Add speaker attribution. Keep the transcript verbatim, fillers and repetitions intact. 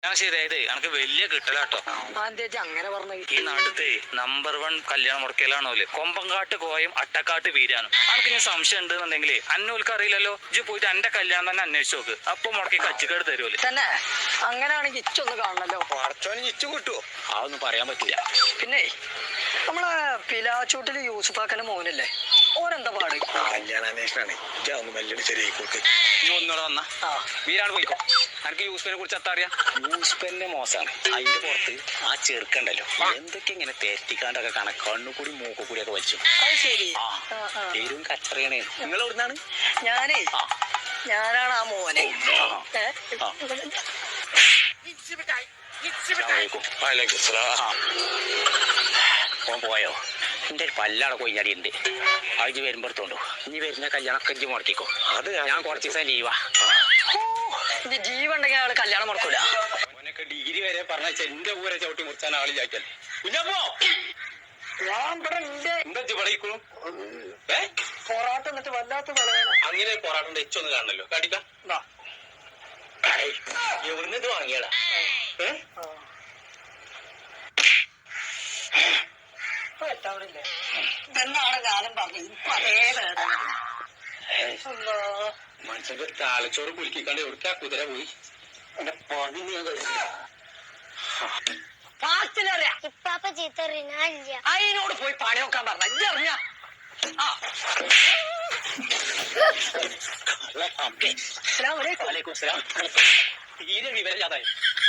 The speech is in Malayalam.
Speaker 1: ഞാൻ ശരിയായത് എനക്ക് വലിയ കിട്ടലാട്ടോ.
Speaker 2: അങ്ങനെ പറഞ്ഞു.
Speaker 1: ഈ നാട്ടിലത്തെ നമ്പർ വൺ കല്യാണം മുടക്കലാണോല് കൊമ്പങ്കാട്ട് കോയും അട്ടക്കാട്ട് വീരാനും. അനക്ക് ഞാൻ സംശയം ഉണ്ടെന്നുണ്ടെങ്കിലേ അന്നോൽക്ക് അറിയില്ലല്ലോ. ഇജ്ജ് പോയിട്ട് എന്റെ കല്യാണം തന്നെ അന്വേഷിച്ചു നോക്ക്. അപ്പൊ മുടക്കി കച്ചിക്കേട് തരുമല്ലോ.
Speaker 2: തന്നെ അങ്ങനെയാണെങ്കിൽ ഇച്ചൊന്ന് കാണണല്ലോ.
Speaker 1: പടച്ചോന് ഇച്ചു കിട്ടുവോ? അതൊന്നും പറയാൻ പറ്റില്ല.
Speaker 2: പിന്നെ നമ്മളെ പിലാച്ചൂട്ടില് യൂസുഫാക്കന്റെ മോനല്ലേ, ഓനെന്താ പാട്?
Speaker 1: കല്യാണാന്വേഷണാണ്. ഒന്ന് മെല്ലടി ശരിയായിക്കോട്ടെ. നീ ഒന്നുകൂടെ വന്നാ വീരാണ് പോയിക്കോ. എനിക്ക് യൂസ്ഫിനെ കുറിച്ച് എത്താ അറിയാം. യൂസ്ഫിന്റെ മോശമാണ്. അതിന്റെ പുറത്ത് ആ ചെറുക്കണ്ടല്ലോ എന്തൊക്കെ ഇങ്ങനെ തെറ്റിക്കാണ്ടൊക്കെ കാണാൻ കണ്ണുകൂടി മൂക്കുകൂടി ഒക്കെ വെച്ചു.
Speaker 2: അത് ശരി.
Speaker 1: പേരും കച്ചറിയാണ്. നിങ്ങൾ എവിടുന്നാണ്?
Speaker 2: ഞാനേ ഞാനാണ് ആ മോനെ.
Speaker 1: ഓൻ പോയോ? എന്റെ ഒരു പല്ലാടെ കൊയ്യാടി ഉണ്ട്. അജ് വരുമ്പോഴത്തോണ്ടോ ഇനി വരുന്ന കല്യാണമൊക്കെ ഇജ്ജ് മുടക്കിക്കോ. അത് ഞാൻ കുറച്ച് ദിവസം ലീവാ.
Speaker 2: ജീവുണ്ടെങ്കിൽ ആള് കല്യാണം മുടക്കൂല.
Speaker 1: ഓനൊക്കെ ഡിഗ്രി വരെ പറഞ്ഞ എന്റെ ഊരെ ചവിട്ടി മുറിച്ചാൻ ആളില്ലാക്കല്ലേ.
Speaker 2: പൊറാട്ട എന്നിട്ട് വല്ലാത്ത
Speaker 1: അങ്ങനെ പൊറാട്ടന്റെ എച്ചൊന്ന് കാണണല്ലോ. കാട്ടിക്ക എവിടുന്ന് ഇത് വാങ്ങിയടാ?
Speaker 2: ഇതെന്നാണ് ഞാനും പറഞ്ഞത്. ഇപ്പൊ അതേ വേദന.
Speaker 1: മനുഷ്യന്റെ താലച്ചോറ് കുലുക്കിക്കാണ്ട് എവിടേക്കാ കുതിര പോയി? എന്റെ പണി
Speaker 2: അതിനോട് പോയി പണി നോക്കാൻ പറഞ്ഞ ഇജ്ജറിഞ്ഞ
Speaker 1: തീരെ വിവരമില്ലാതായി.